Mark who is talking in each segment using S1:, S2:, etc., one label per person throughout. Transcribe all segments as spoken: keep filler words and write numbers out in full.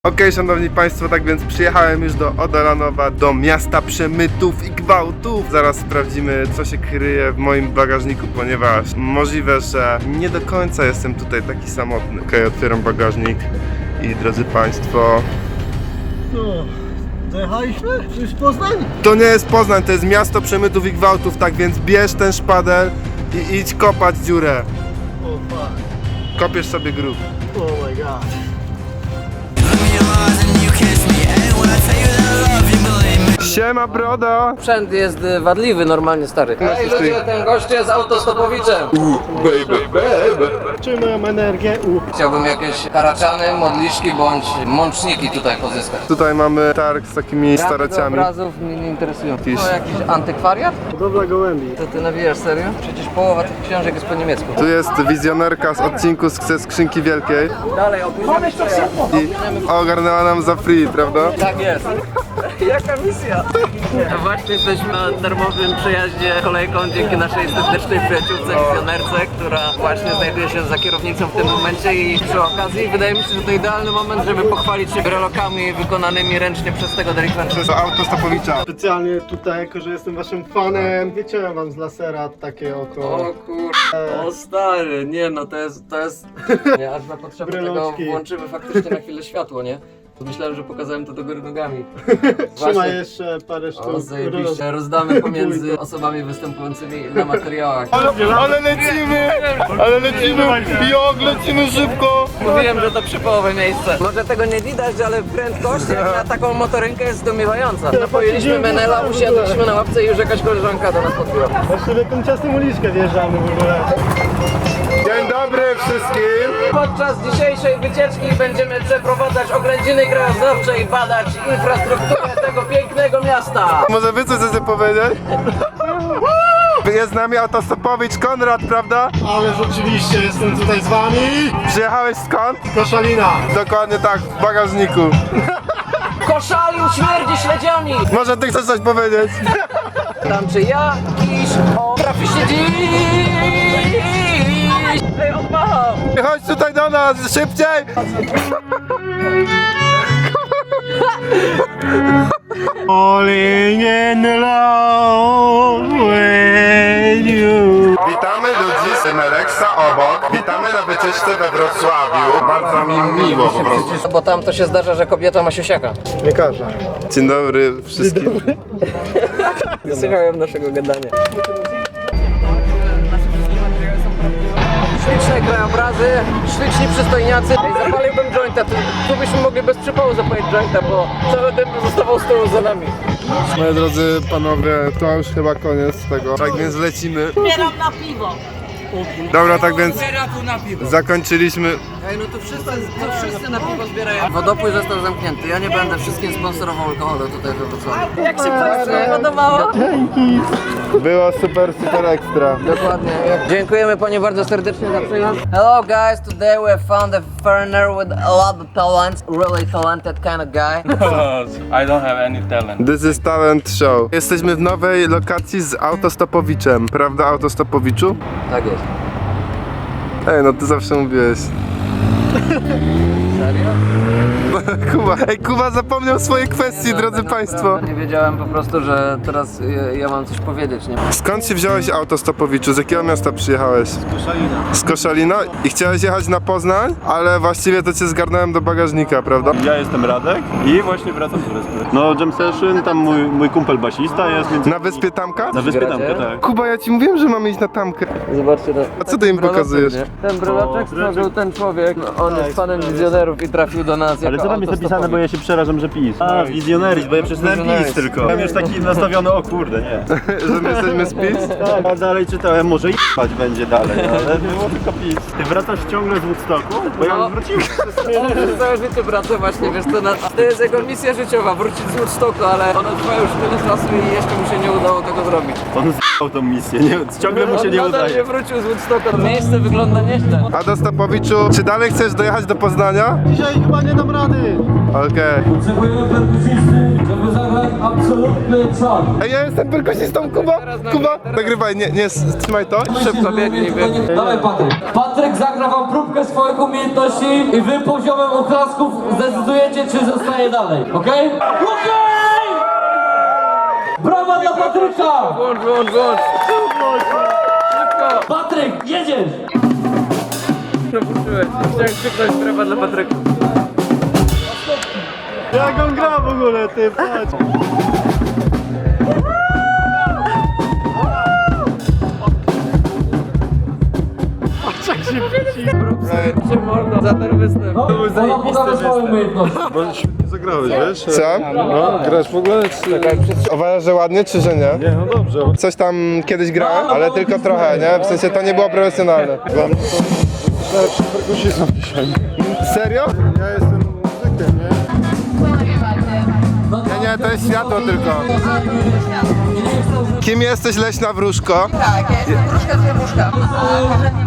S1: Okej, okay, szanowni państwo, tak więc przyjechałem już do Odolanowa, do miasta przemytów i gwałtów. Zaraz sprawdzimy, co się kryje w moim bagażniku, ponieważ możliwe, że nie do końca jestem tutaj taki samotny. Okej, okay, otwieram bagażnik i drodzy państwo...
S2: No, dojechaliśmy? To jest Poznań?
S1: To nie jest Poznań, to jest miasto przemytów i gwałtów, tak więc bierz ten szpadel i idź kopać dziurę.
S2: O fuck.
S1: Kopiesz sobie grób.
S2: Oh my god.
S1: Siema, brodo!
S3: Sprzęt jest wadliwy normalnie, stary. Ej ludzie, ten gość jest autostopowiczem.
S1: Baby, baby.
S2: Trzymam energię. U.
S3: Chciałbym jakieś karaczany, modliszki bądź mączniki tutaj pozyskać.
S1: Tutaj mamy targ z takimi starociami.
S3: obrazów mnie nie interesują.
S1: Jakiś-
S3: To jakiś antykwariat?
S2: Hodowla gołębi.
S3: To ty nawijasz serio? Przecież połowa tych książek jest po niemiecku.
S1: Tu jest wizjonerka z odcinku z ze skrzynki wielkiej
S3: Dalej, opóźniamy przejazd.
S1: i ogarnęła nam za free, prawda?
S3: Tak jest. Jaka misja? Właśnie jesteśmy na darmowym przejaździe kolejką dzięki naszej serdecznej przyjaciółce, wizjonerce, która właśnie znajduje się za kierownicą w tym momencie i przy okazji wydaje mi się, że to idealny moment, żeby pochwalić się brelokami wykonanymi ręcznie przez tego delikwenta.
S1: Przez autostopowicza.
S2: Specjalnie tutaj, jako że jestem waszym fanem, wyciąłem wam z lasera takie oko.
S3: O kur... O stary, nie no to jest, to jest... Nie, aż na potrzeby tego
S2: Breloczki.
S3: włączymy faktycznie na chwilę światło, nie? To myślałem, że pokazałem to do góry nogami.
S2: Trzymaj jeszcze parę sztuk.
S3: O zajebiście, rozdamy pomiędzy osobami występującymi na materiałach.
S1: Ale lecimy! Ale lecimy! Jak lecimy szybko!
S3: Mówiłem, że to przypołowe miejsce. Może tego nie widać, ale prędkość jak na taką motorynkę jest zdumiewająca. Napojiliśmy Menela, usiadliśmy na ławce i już jakaś koleżanka do nas podbiła.
S2: Właściwie tą ciasną uliczkę wjeżdżamy w ogóle.
S1: Dzień dobry wszystkim!
S3: Podczas dzisiejszej wycieczki będziemy przeprowadzać oględziny krajoznawcze i badać infrastrukturę tego pięknego miasta.
S1: Może wy coś chcecie powiedzieć? Jest z nami autostopowicz Konrad, prawda?
S2: Ale rzeczywiście jestem tutaj z wami.
S1: Przyjechałeś skąd?
S2: Koszalina.
S1: Dokładnie tak, w bagażniku.
S3: Koszalił śmierdzi śledziami.
S1: Może ty chcesz coś powiedzieć?
S3: Tam czy jakiś o trafi się dziś. Ej, odmachał.
S1: Chodź tutaj do nas, szybciej!
S2: Falling in love with you.
S1: Witamy ludzi z Meleksa obok. Witamy na wycieczce we Wrocławiu. Bardzo mi miło po prostu.
S3: Bo tam to się zdarza, że kobieta ma siusiaka.
S2: Nie każda.
S1: Dzień dobry wszystkim.
S3: Słuchałem naszego gadania. Śliczne krajobrazy, śliczni przystojniacy. Ej, zapaliłbym jointa, tu, tu byśmy mogli bez przypału zapalić jointa, bo cały dym zostawał z tyłu za nami.
S1: Moi drodzy panowie, to już chyba koniec tego. Tak więc lecimy.
S4: Zbieram na piwo.
S1: Dobra, tak więc zakończyliśmy.
S3: Ej, no to wszyscy, to wszyscy na piwo zbierają. Wodopój został zamknięty, ja nie będę wszystkim sponsorował alkoholu tutaj we Wrocławiu.
S4: Jak się Państwu podobało?
S1: Było super, super ekstra.
S3: Dokładnie. Dziękujemy Panie bardzo serdecznie za przyjazd. Hello guys, today we found a foreigner with a lot of talent, really talented kind of guy.
S5: I don't have any talent.
S1: This is talent show. Jesteśmy w nowej lokacji z autostopowiczem. Prawda, autostopowiczu?
S3: Tak jest.
S1: Ej, no ty zawsze mówiłeś.
S3: Serio?
S1: Kuba, ej, Kuba zapomniał swojej kwestii, drodzy państwo.
S3: Nie wiedziałem po prostu, że teraz ja, ja mam coś powiedzieć, nie?
S1: Skąd się wziąłeś autostopowiczu? Z jakiego miasta przyjechałeś?
S2: Koszalina.
S1: Z Koszalina? I chciałeś jechać na Poznań, ale właściwie to cię zgarnąłem do bagażnika, prawda?
S6: Ja jestem Radek i właśnie wracam z wyspy. No Jam Session, tam mój, mój kumpel basista jest, więc...
S1: Na wyspie Tamka?
S6: Na wyspie
S3: Gracie?
S6: Tamka, tak.
S1: Kuba, ja ci mówiłem, że mamy iść na Tamkę.
S3: Zobaczcie to.
S1: A co ty im pokazujesz?
S3: Ten bryloczek stworzył ten człowiek. No, on jest fanem wizjonerów i trafił do nas
S6: Ale
S3: jako
S6: co tam jest napisane, bo ja się przerażam, że PiS. A, wizjoneris, bo ja przeczytałem PiS
S3: Wizjoneris.
S6: tylko. Mam już taki nastawiony, o kurde, nie.
S1: Że my jesteśmy z PiS?
S6: Tak, a dalej czytałem, może jebać będzie dalej, ale było tylko PiS. Ty wracasz ciągle z Woodstocku? Bo ja
S3: No.
S6: już wróciłem.
S3: On przez całe życie wraca właśnie, wiesz to, na, to jest jego misja życiowa, wrócić z Woodstocku, ale ona trwa już tyle czasu i jeszcze mu się nie udało tego zrobić.
S6: On z***ał tą misję, nie? Ciągle mu się nie
S3: On nadal nie
S6: udaje.
S3: wrócił z Woodstocku, miejsce wygląda nieźle.
S1: Autostopowiczu, czy dalej chcesz dojechać do Poznania?
S2: Dzisiaj chyba nie dam rady. wody!
S1: Okej.
S7: Potrzebujemy perkusisty, żeby zagrać absolutny czar.
S1: Ej, ja jestem perkusistą, Kuba! Kuba! Nagrywaj, nie, nie, trzymaj to.
S3: Szybko biegnij, biegnij.
S7: Dawaj Patryk. Patryk zagra wam próbkę swoich umiejętności i wy poziomem oklasków zdecydujecie, czy zostaje dalej, okej? Okej! Brawa dla Patryka!
S3: Włącz, włącz, włącz. Szybko.
S7: Patryk, jedziesz!
S3: Przepuszczyłeś. Chciałem krzyknąć brawa dla Patryka.
S2: Jak on gra w ogóle, ty, patrz!
S3: Cię mordo za ten występ.
S7: No, ona pokaże swoją umiejętność.
S6: Zagrałeś, wiesz?
S1: Co?
S6: No, grasz w ogóle? Czy...
S1: Uważasz, że ładnie, czy że nie?
S6: Nie, no dobrze.
S1: Coś tam kiedyś grałem, ale tylko trochę, nie? W sensie to nie było profesjonalne.
S6: Dla mnie to najlepszy perkusistą dzisiaj.
S1: Serio?
S6: Ja jestem muzykiem, nie?
S1: Nie, nie, to jest światło tylko. Kim jesteś, leśna wróżko?
S4: Tak, ja jestem wróżka z wróżka. A korzenie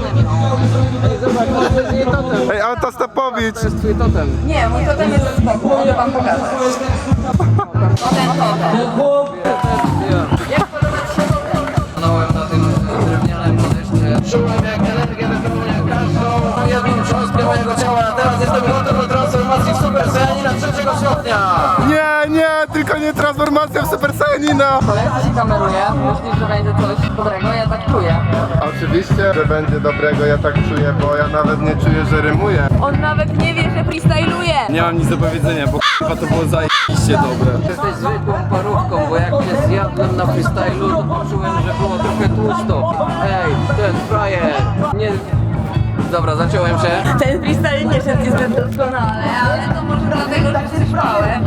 S4: mam potrzebne.
S1: Ej, Autostopowicz!
S3: To jest twój totem.
S4: Nie, mój totem jest ze skoku, mogę wam pokazać. O ten totem.
S7: Ten chłop
S4: Jak podoba ci się totem?
S3: Stanąłem na tym drewnianym podejście. Czułem jak energię wypełnia każdą jedną cząstkę mojego ciała. Teraz jestem gotów do transformacji w Super Saiyanina trzeciego stopnia.
S1: Nie, nie, tylko nie transformacja w Super Saiyanina!
S4: Kolega się kameruje, myślisz, że będzie coś dobrego, ja tak czuję.
S1: Oczywiście, że będzie dobrego, ja tak czuję, bo ja nawet nie czuję, że rymuję.
S4: On nawet nie wie, że freestyluje.
S5: Nie mam nic do powiedzenia, bo k***a to było zajebiście dobre.
S3: Jesteś zwykłą parówką, bo jak cię zjadłem na freestylu, to poczułem, że było trochę tłusto. Ej, ten frajer, nie... Dobra, zaciąłem się.
S4: Ten freestyle nie szedł niezbyt doskonale, ale to może dlatego, że się spałem.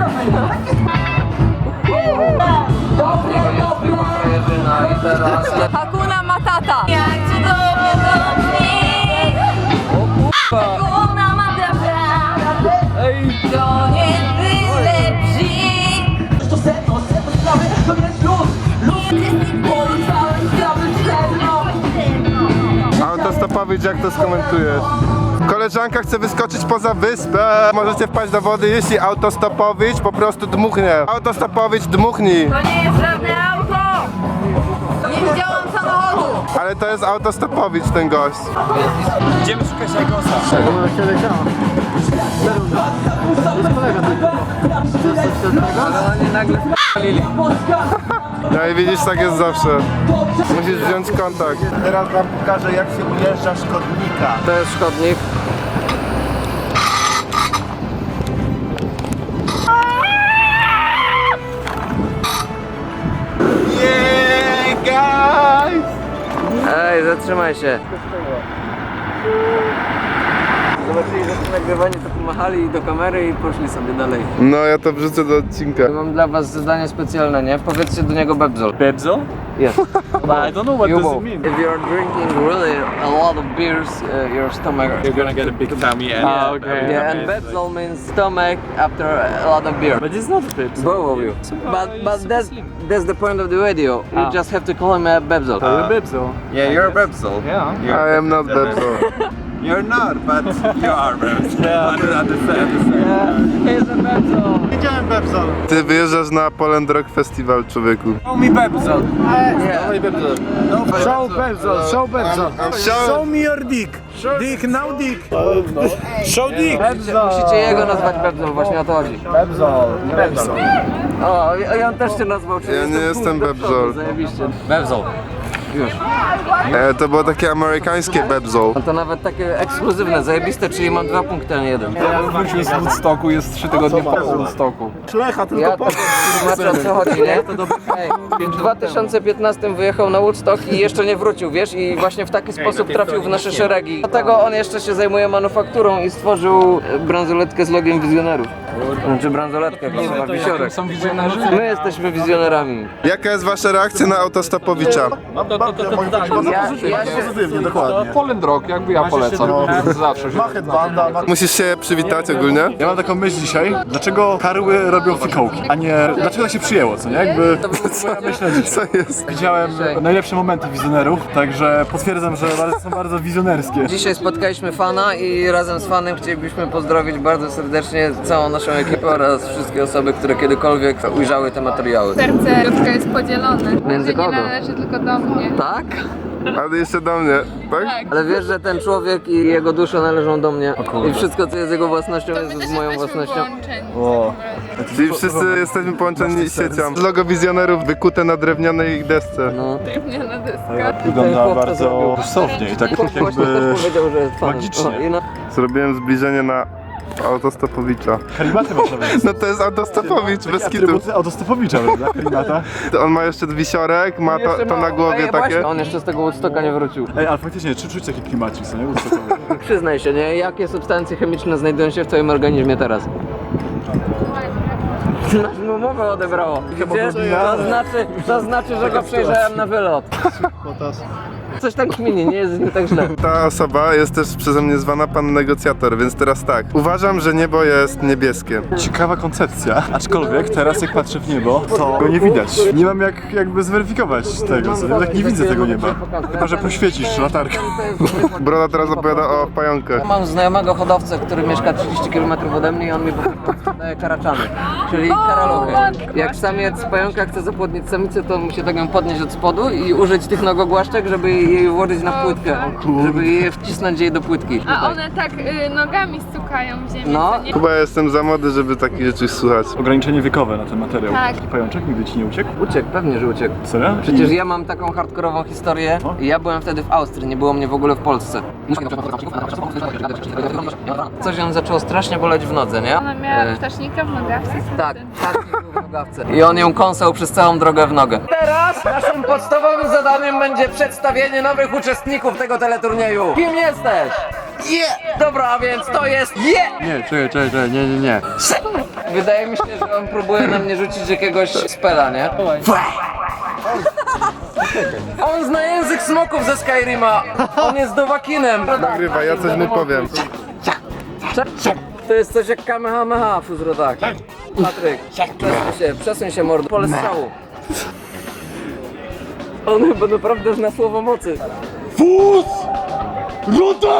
S3: Dobry, zwykła frajerzyna i teraz...
S4: Hakuna Matata. Jak cudownie to brzmi.
S3: O kurwa!
S4: Hakuna Matata.
S3: Ej!
S4: To nie byle bzik. To sedno, sedno sprawy, to jest luz. Luz jest polizałem sprawy sedno.
S1: Autostopowicz, jak to skomentujesz? Koleżanka chce wyskoczyć poza wyspę. Możecie wpaść do wody, jeśli Autostopowicz po prostu dmuchnie. Autostopowicz, dmuchnij.
S4: To nie jest żadne auto. Nie widziałam samochodu.
S1: Ale to jest Autostopowicz, ten gość.
S3: Ale oni nagle s***lili.
S1: No i widzisz, tak jest zawsze. Musisz wziąć kontakt.
S6: Teraz wam pokażę, jak się ujeżdża szkodnika.
S3: To jest szkodnik.
S1: Yeah, guys!
S3: Ej, zatrzymaj się. Zobaczyli, że to nagrywanie, to pomachali do kamery i poszli sobie dalej.
S1: No, ja to wrzucę do odcinka.
S3: Mam dla was zadanie specjalne, nie? Powiedzcie do niego Bebzol.
S5: Bebzo?
S3: Yes.
S5: I don't know what
S3: You
S5: does
S3: will.
S5: it mean.
S3: If you're drinking really a lot of beers, uh, your stomach...
S5: You're gonna get a big tummy and...
S3: Ah, okay. Yeah, and Bebzol means stomach after a lot of beer.
S5: But it's not Bebzo.
S3: Both of you. But but that's that's the point of the video. You
S5: Ah.
S3: just have to call him a Bebzol.
S5: You're Bebzo.
S8: Yeah, you're a Bebzol.
S5: Yeah.
S1: I am not Bebzo.
S8: You're not, but you are Bebzol. Yeah. Understand, understand.
S3: He's a Bebzol.
S2: Widziałem Bebzol.
S1: Ty wyjeżdżasz na Poland Rock Festival, człowieku.
S8: Show me Bebzol.
S2: Show Bebzol, show Bebzol.
S1: Show-
S2: Show me your dick. Dick, now dick. Show dick.
S3: Musicie jego nazwać Bebzol, właśnie o to chodzi.
S2: Bebzol, Bebzol.
S3: O, i i on też cię nazwał, czyli
S1: Ja nie
S3: jestem
S1: jestem
S3: pół do przodu,
S1: Bebzol.
S3: Zajebiście. Bebzol. Już.
S1: E, to było takie amerykańskie Bebzo.
S3: No to nawet takie ekskluzywne, zajebiste, czyli mam dwa punkty, a nie jeden.
S5: Ja wrócił z Woodstocku, jest trzy tygodnie po Woodstocku.
S2: Szlecha, tylko
S3: Ja
S2: po...
S3: to tłumaczę, o co chodzi, nie? Ej, w dwa tysiące piętnastym wyjechał na Woodstock i jeszcze nie wrócił, wiesz? I właśnie w taki sposób trafił w nasze szeregi. Dlatego on jeszcze się zajmuje manufakturą i stworzył bransoletkę z logiem wizjonerów. Czy bransoletkę, chyba wisiorek.
S5: Są wizjonerzy?
S3: My jesteśmy wizjonerami.
S1: Jaka jest wasza reakcja na autostopowicza?
S3: Ja, ja się...
S6: Pozytywnie, dokładnie.
S5: Poland Rock, jakby ja polecam. Zawsze się.
S6: Ma headbanda, ma...
S1: Musisz się przywitać ogólnie?
S6: Ja mam taką myśl dzisiaj, dlaczego karły robią fikołki, a nie... Dlaczego tak się przyjęło, co nie? Jakby... Moja myśl na dzisiaj.
S1: Co jest?
S6: Widziałem najlepsze momenty wizjonerów, także potwierdzam, że bardzo, są bardzo wizjonerskie.
S3: Dzisiaj spotkaliśmy fana i razem z fanem chcielibyśmy pozdrowić bardzo serdecznie całą naszą ekipę oraz wszystkie osoby, które kiedykolwiek ujrzały te materiały.
S9: Serce Piotrka jest podzielone.
S3: Między
S9: Nie
S3: kogo?
S9: należy tylko do mnie.
S3: Tak?
S1: Ale jeszcze do mnie, tak?
S3: Ale wiesz, że ten człowiek i jego dusza należą do mnie i wszystko co jest jego własnością
S9: To
S3: jest
S9: my też
S3: moją
S9: jesteśmy
S3: własnością.
S9: połączeni.
S6: O.
S1: Czyli wszyscy jesteśmy połączeni siecią. Logo wizjonerów wykute na drewnianej desce.
S3: No.
S9: Drewniana deska.
S6: Wygląda
S3: chłop to
S6: bardzo
S3: zrobił.
S6: sensownie i tak
S3: Właśnie
S6: jakby...
S3: też powiedział, że jest fanem.
S6: magicznie.
S3: O, i no.
S1: Zrobiłem zbliżenie na autostopowicza.
S6: Kalimaty można wejść.
S1: No to jest autostopowicz, bez kitu.
S6: Atrybuty autostopowicza, prawda? Kalimata.
S1: On ma jeszcze wisiorek, ma to,
S3: Jeszcze
S1: to
S3: ma-
S1: na głowie
S3: Ej,
S1: takie.
S3: Właśnie, on jeszcze z tego Woodstocka nie wrócił.
S6: Ej, ale faktycznie, czy czuć taki klimacik, co nie? Woodstockowy.
S3: Przyznaj się, nie? Jakie substancje chemiczne znajdują się w twoim organizmie teraz? No mowę odebrało. Widzisz? To znaczy, to znaczy, że go przejrzałem na wylot. Coś tam kminie, nie jest z nim tak źle.
S1: Ta osoba jest też przeze mnie zwana pan negocjator, więc teraz tak. Uważam, że niebo jest niebieskie.
S6: Ciekawa koncepcja, aczkolwiek teraz jak patrzę w niebo, to go nie widać. Nie mam jak jakby zweryfikować tego, co nie? Tak nie widzę tego nieba. Chyba, że poświecisz latarką.
S1: Broda teraz opowiada o pająkach.
S3: Mam znajomego hodowcę, który mieszka trzydzieści kilometrów ode mnie i on mi po prostu daje karaczany, czyli karaluchy. Jak samiec pająka chce zapłodnić samicę, to musi tak ją podnieść od spodu i użyć tych nogogłaszczek, żeby jej włożyć na płytkę, żeby je wcisnąć jej do płytki.
S9: A
S3: Tutaj.
S9: one tak y, nogami stukają w ziemię.
S3: No.
S9: co nie?
S1: Chyba jestem za młody, żeby takich rzeczy słuchać.
S6: Ograniczenie wiekowe na ten materiał.
S9: Tak.
S6: Taki pajączek nigdy ci nie uciekł?
S3: Uciekł, pewnie, że uciekł.
S6: Serio?
S3: Przecież ja mam taką hardkorową historię.
S6: O.
S3: Ja byłem wtedy w Austrii, nie było mnie w ogóle w Polsce. Coś ją zaczęło strasznie boleć w nodze, nie?
S9: Ona miała
S3: E,
S9: ptasznika w nogawce.
S3: Tak, tak, był w nogawce. I on ją kąsał przez całą drogę w nogę. Teraz naszym podstawowym zadaniem będzie przedstawienie nowych uczestników tego teleturnieju. Kim jesteś? Yeah! Dobra, a więc to jest yeah!
S5: Nie, czekaj, czekaj, czekaj, nie, nie, nie.
S3: Wydaje mi się, że on próbuje na mnie rzucić jakiegoś spela, nie? On zna język smoków ze Skyrima. On jest dowakinem.
S1: Nagrywa, ja coś mu powiem.
S3: To jest coś jak Kamehameha, Fuzrodak. Patryk, przesuń się, przesuń się mordo, pole strzału. On chyba naprawdę zna słowo mocy. Fuz! Ruda!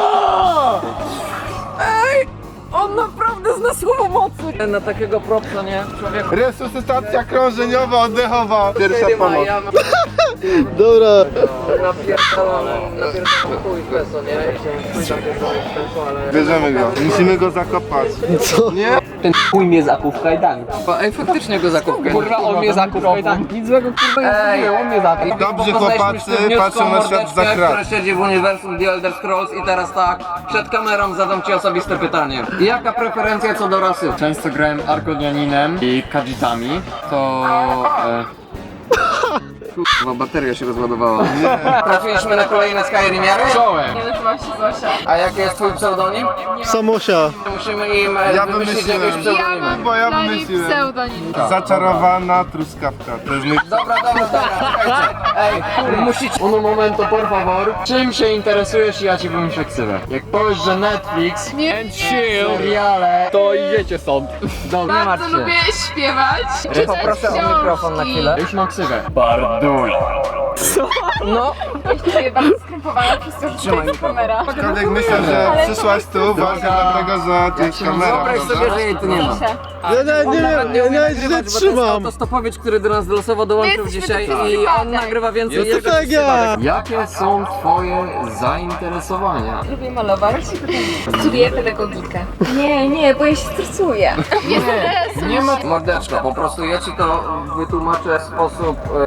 S3: Ej! On naprawdę zna słowo mocy! Na takiego propsa, nie? Człowieku.
S1: Resuscytacja krążeniowa, oddechowa. Pierwsza
S3: Skyryma,
S1: pomoc.
S3: ja mam
S2: Dobra.
S3: napierdolony, napierdolony chuj w leso, nie? I chciałem napierdolony w leso, ale...
S1: Bierzemy go. Musimy go zakopać.
S2: Co?
S1: Nie?
S3: Ten chuj mnie zakuł w kajdanki. Ej, faktycznie go zakuł w kajdanki. Kurwa, on mnie zakuł w kajdanki. Nic złego, kurwa, nie zrobiłem, on mnie zakuł.
S1: Dobrze,
S3: Poznaliśmy
S1: chłopacy,
S3: się wnioską
S1: patrzą na świat
S3: mordeczkę,
S1: za krat.
S3: która siedzi w uniwersum The Elder Scrolls i teraz tak, przed kamerą zadam ci osobiste pytanie. Jaka preferencja co do rasy?
S5: Często grałem Arkodianinem i Khajiitami, to... E,
S3: Kurwa, bateria się rozładowała. Trafiliśmy na kolejne Skyrimiary.
S5: czołem!
S9: Nie nazywam się Zosia.
S3: A jaki jest twój pseudonim?
S2: Samosia.
S3: Musimy im e,
S1: Ja
S3: wymyślić
S1: wymyśliłem.
S3: jakieś
S9: Ja
S3: pseudonimy.
S9: mam
S1: Bo ja
S9: dla niej
S1: wymyśliłem.
S9: pseudonim.
S1: Zaczarowana truskawka. To jest mój...
S3: Dobra, dobra, dobra, czekajcie. Ej, musicie...
S5: Uno momento, por favor. Czym się interesujesz i ja ci wymyślę ksywę. Jak powiesz, że Netflix
S9: Nie.
S5: and chill, seriale, to idziecie stąd.
S3: Dobra, nie martw
S9: Bardzo
S3: się.
S9: lubię śpiewać, czytać
S3: Poproszę o mikrofon na
S9: książki.
S3: chwilę.
S5: Już mam ksywę. Barduj.
S3: No,
S9: Czuję bardzo skrępowana przez to, że
S3: Trzymaj
S9: to jest kamera.
S1: Aczkolwiek myślę, że przyszłaś tu właśnie dlatego, że tu jest kamera,
S3: wyobraź sobie,
S1: prawda?
S3: że jej tu nie ma.
S2: Ja nie, nie,
S3: Nawet
S2: nie,
S3: umie
S2: nie, nie,
S3: nagrywać,
S2: nie
S3: bo to jest
S2: trzymam.
S3: autostopowiec, który do nas losowo dołączył
S9: My jesteśmy
S3: dzisiaj
S9: taki
S3: i on
S9: przypadek.
S3: nagrywa więcej
S2: No to
S3: jeszcze
S2: tak
S3: niż
S2: ja.
S3: przypadek.
S5: Jakie są twoje zainteresowania?
S9: Lubię malować. Studiuję pedagogikę. Nie, nie, bo ja się stresuję. Nie,
S5: Nie ma...
S3: Mordeczko, po prostu ja ci to wytłumaczę w sposób e, łopatkowy.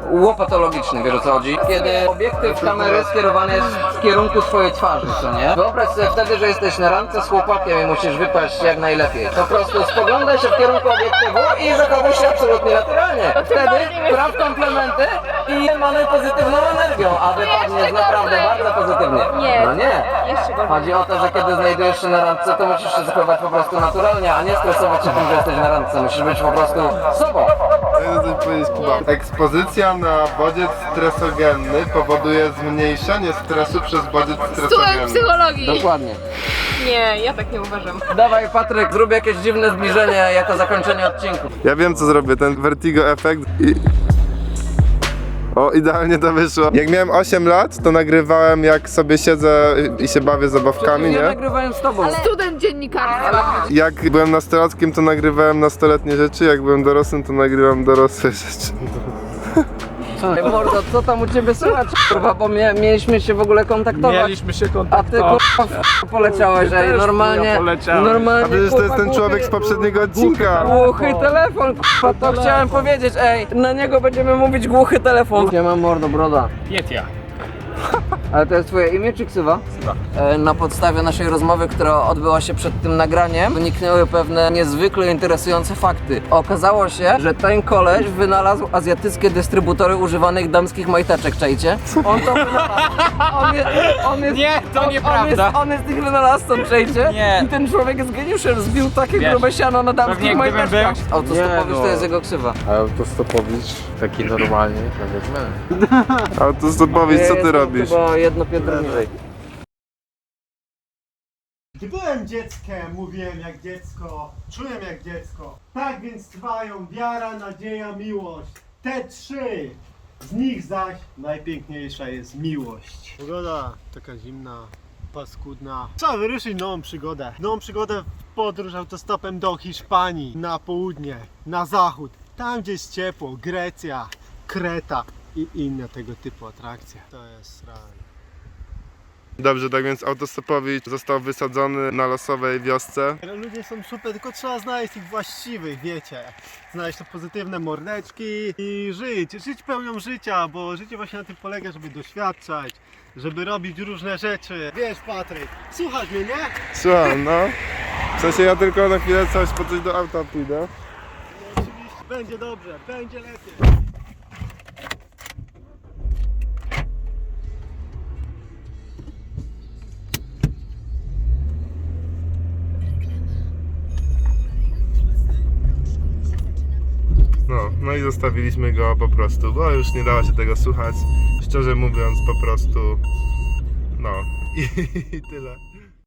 S3: patologiczny, wiesz o co chodzi? Kiedy obiektyw kamery skierowany jest w kierunku twojej twarzy, co nie? Wyobraź sobie wtedy, że jesteś na randce z chłopakiem i musisz wypaść jak najlepiej. Po prostu spoglądaj się w kierunku obiektywu i zachowuj się absolutnie naturalnie. Wtedy praw komplementy i mamy pozytywną energią, a wypadniesz naprawdę bardzo pozytywnie.
S9: Nie.
S3: No nie.
S9: Jeszcze gorzej.
S3: Chodzi o to, że kiedy znajdujesz się na randce, to musisz się zachować po prostu naturalnie, a nie stresować się tym, że jesteś na randce. Musisz być po prostu sobą.
S1: Ja chcę coś powiedzieć, Kuba. Ekspozycja na bodziec stresogenny powoduje zmniejszenie stresu przez bodziec
S9: Student
S1: stresogenny.
S9: psychologii.
S3: Dokładnie.
S9: Nie, ja tak nie uważam.
S3: Dawaj Patryk, zrób jakieś dziwne zbliżenie jako zakończenie odcinku.
S1: Ja wiem co zrobię, ten vertigo efekt i... O, idealnie to wyszło. Jak miałem osiem lat, to nagrywałem jak sobie siedzę i się bawię zabawkami,
S3: Ja
S1: nie?
S3: nagrywałem z tobą.
S9: Student dziennikarstwa.
S1: Jak byłem nastolatkiem, to nagrywałem nastoletnie rzeczy, jak byłem dorosłym, to nagrywam dorosłe rzeczy.
S3: Ej, mordo, co tam u ciebie słychać, kurwa, bo mie mieliśmy się w ogóle kontaktować.
S5: Mieliśmy się
S3: A ty
S5: kontaktować.
S3: kurwa w poleciałeś, ej, normalnie,
S5: poleciałem.
S3: normalnie,
S1: A przecież to jest
S3: kurwa,
S1: ten człowiek z
S3: głuchy-
S1: poprzedniego odcinka.
S3: Głuchy telefon, kurwa, to chciałem powiedzieć, ej, na niego będziemy mówić głuchy telefon. Ja mam mordo, broda.
S5: Pietia.
S3: Ale to jest twoje imię czy ksywa? E, Na podstawie naszej rozmowy, która odbyła się przed tym nagraniem, wyniknęły pewne niezwykle interesujące fakty. Okazało się, że ten koleś wynalazł azjatyckie dystrybutory używanych damskich majteczek, czajcie? On to wynalazł. On jest, on jest,
S5: Nie, to
S3: on,
S5: nieprawda.
S3: On jest, on jest ich wynalazcą, czajcie?
S5: Nie.
S3: I ten człowiek jest geniuszem, zbił takie
S5: Wiesz,
S3: grube siano na damskich
S5: pewnie gdybym
S3: majteczkach.
S5: był-
S3: Autostopowicz
S5: Nie,
S3: to
S5: no.
S3: jest jego ksywa.
S6: Autostopowicz, taki normalnie, powiedzmy.
S1: Autostopowicz, co ty
S3: Jestem
S1: robisz?
S3: Chyba jedno piętro niżej.
S2: Gdy byłem dzieckiem, mówiłem jak dziecko, czułem jak dziecko. Tak więc trwają wiara, nadzieja, miłość. Te trzy. Z nich zaś najpiękniejsza jest miłość. Pogoda taka zimna, paskudna. Trzeba wyruszyć nową przygodę. Nową przygodę w podróż autostopem do Hiszpanii, na południe, na zachód. Tam gdzie jest ciepło, Grecja, Kreta i inne tego typu atrakcje. To jest realne.
S1: Dobrze, tak więc autostopowicz został wysadzony na losowej wiosce.
S2: Ludzie są super, tylko trzeba znaleźć tych właściwych, wiecie. Znaleźć te pozytywne mordeczki i żyć. Żyć pełnią życia, bo życie właśnie na tym polega, żeby doświadczać, żeby robić różne rzeczy. Wiesz, Patryk, słuchasz mnie, nie?
S1: Słucham, no. W sensie ja tylko na chwilę coś po coś do auta pójdę.
S2: Oczywiście, będzie dobrze, będzie lepiej.
S1: No, no i zostawiliśmy go po prostu, bo już nie dało się tego słuchać. Szczerze mówiąc, po prostu, no i, i tyle.